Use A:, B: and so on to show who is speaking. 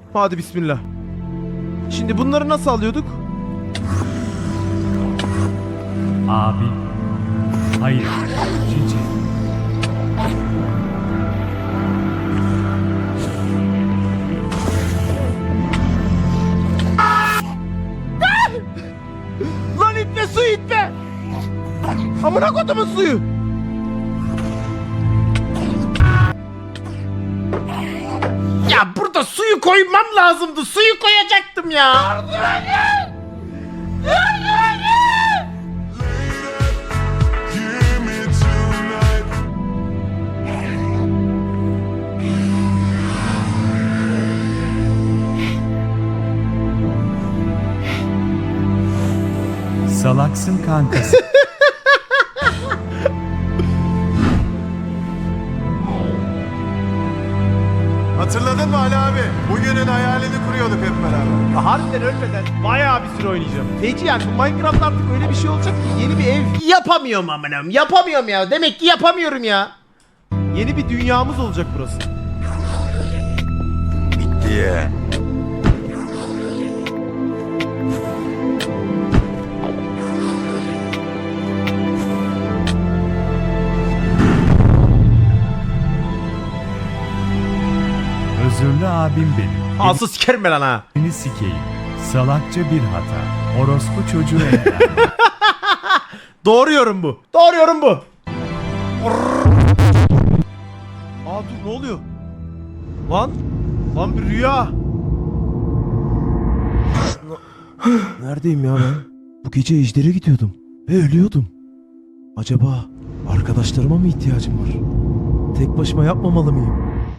A: Hadi bismillah. Şimdi bunları nasıl alıyorduk?
B: Abi. Hayır. Cici.
A: Lan itme su itme. Amına kodumun suyu. Ya burada suyu koymam lazımdı. Suyu koyacaktım ya.
B: Salaksın kankası.
C: Hatırladın mı Ali abi? Bugünün hayalini kuruyorduk hep beraber.
A: Harbiden ölmeden bayağı bir süre oynayacağım. Feci yani bu Minecraft artık öyle bir şey olacak ki yeni bir ev. Yapamıyorum amınam. Yapamıyorum ya. Demek ki yapamıyorum ya. Yeni bir dünyamız olacak burası.
C: Bitti ya.
B: Özürlü abim benim.
A: Asıl sikerim ben lan ha.
B: Elini sikeyim. Salakça bir hata. Orospu çocuğu ender.
A: Doğru yorum bu. Doğru yorum bu. Aa dur ne oluyor? Lan. Lan bir rüya. Neredeyim ya ben? Bu gece ejdere gidiyordum. Ve ölüyordum. Acaba arkadaşlarıma mı ihtiyacım var? Tek başıma yapmamalı mıyım?